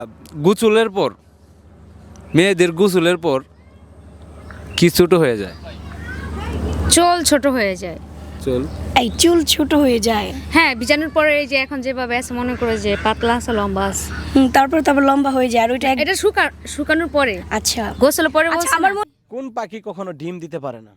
গোসলের পর মেয়েদের গোসলের পর কি ছোট হয়ে যায়? চুল ছোট হয়ে যায়। চুল এই চুল ছোট হয়ে যায়। হ্যাঁ, বিজানোর পরে এই যে এখন যেভাবে আছে মনে করে যে পাতলা আছে, লম্বা আছে। তারপর লম্বা হয়ে যায়। আর ওইটা এটা শুকানোর পরে, আচ্ছা গোসলের পরে আচ্ছা বলছি আমার না। কোন পাখি কখনো ডিম দিতে পারে না?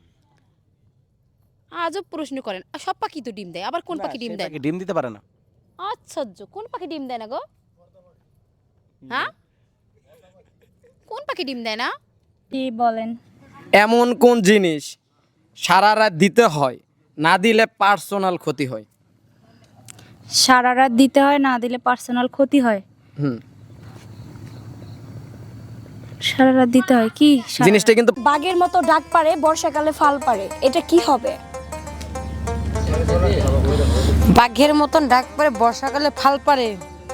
আজব প্রশ্ন করেন। সব পাখি তো ডিম দেয়, আবার কোন পাখি ডিম দেয়? ডিম দিতে পারে না। আশ্চর্য, কোন পাখি ডিম দেয় না গো? হ্যাঁ, কোন পাখি ডিম দেয় না? কি বলেন? এমন কোন জিনিস সারা রাত দিতে হয়, না দিলে পার্সোনাল ক্ষতি হয়? সারা রাত দিতে হয়, না দিলে পার্সোনাল ক্ষতি হয়। হুম, সারা রাত দিতে হয় কি? জিনিসটা কিন্তু বাঘের মতো ডাক পারে, বর্ষাকালে ফাল পারে, এটা কি হবে? বাঘের মতন ডাক পারে, বর্ষাকালে ফাল পারে।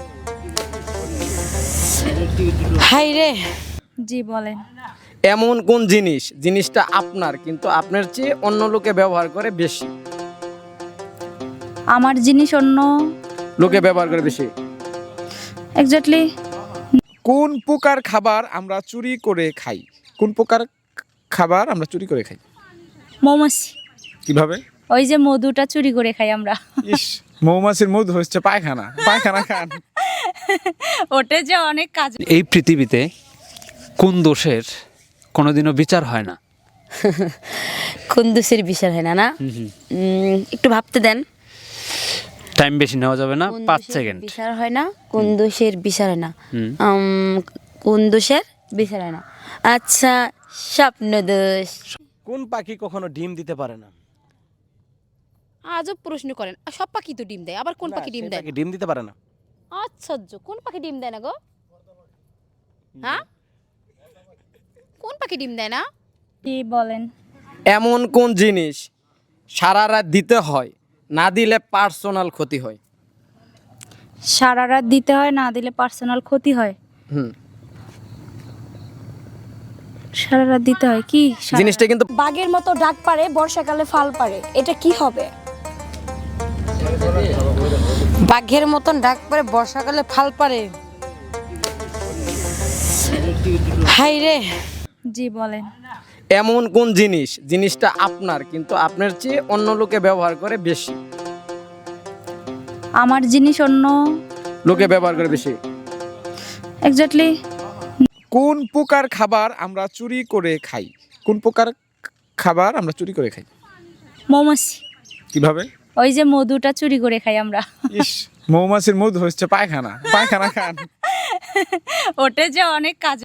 হাই রে, জি বলেন। এমন কোন জিনিস জিনিসটা আপনার কিন্তু আপনার চেয়ে অন্য লোকে ব্যবহার করে বেশি? আমার জিনিস অন্য লোকে ব্যবহার করে বেশি। এক্স্যাক্টলি। কোন প্রকার খাবার আমরা চুরি করে খাই? কোন প্রকার খাবার আমরা চুরি করে খাই? মৌমাছি। কিভাবে? ওই যে মধুটা চুরি করে খাই আমরা। ইস, মৌমাছির মধু হচ্ছে পায়খানা। পায়খানা খান। ওটা যে অনেক কাজ। এই পৃথিবীতে কোন দোষের কোনোদিনও বিচার হয় না? কোন দোষের বিচার হয় না? না, একটু ভাবতে দেন। টাইম বেশি নেওয়া যাবে না, কোন 5 দোষের সেকেন্ড। বিচার হয় না? কোন দোষের বিচার হয় না? কোন দোষের বিচার হয় না? আচ্ছা, স্বপ্ন দোষ। কোন পাখি কখনো ডিম দিতে পারে না? আজব প্রশ্ন করেন। সব পাখি তো ডিম দেয়, আবার কোন পাখি ডিম দেয়? ডিম দিতে পারে না। আশ্চর্য, কোন পাখি ডিম দেয় না গো? হ্যাঁ, কোন পাখি ডিম দেয় না? কি বলেন? এমন কোন জিনিস সারা রাত দিতে হয়, না দিলে পার্সোনাল ক্ষতি হয়? সারা রাত দিতে হয়, না দিলে পার্সোনাল ক্ষতি হয়। হুম, সারা রাত দিতে হয় কি? জিনিসটা কিন্তু বাঘের মতো ডাক পারে, বর্ষাকালে ফাল পারে, এটা কি হবে? বাঘের মতন ডাক পারে, বর্ষাকালে ফাল পারে। হাই রে, জি বলেন। এমন কোন জিনিস জিনিসটা আপনার কিন্তু আপনার চেয়ে অন্য লোকে ব্যবহার করে বেশি? আমার জিনিস অন্য লোকে ব্যবহার করে বেশি। এক্স্যাক্টলি। কোন প্রকার খাবার আমরা চুরি করে খাই? কোন প্রকার খাবার আমরা চুরি করে খাই? মৌমাছি। কিভাবে? ওই যে মধুটা চুরি করে খাই আমরা। ইস, মৌমাছির মধু হচ্ছে পায়খানা। পায়খানা খান। ওটা যে অনেক কাজ।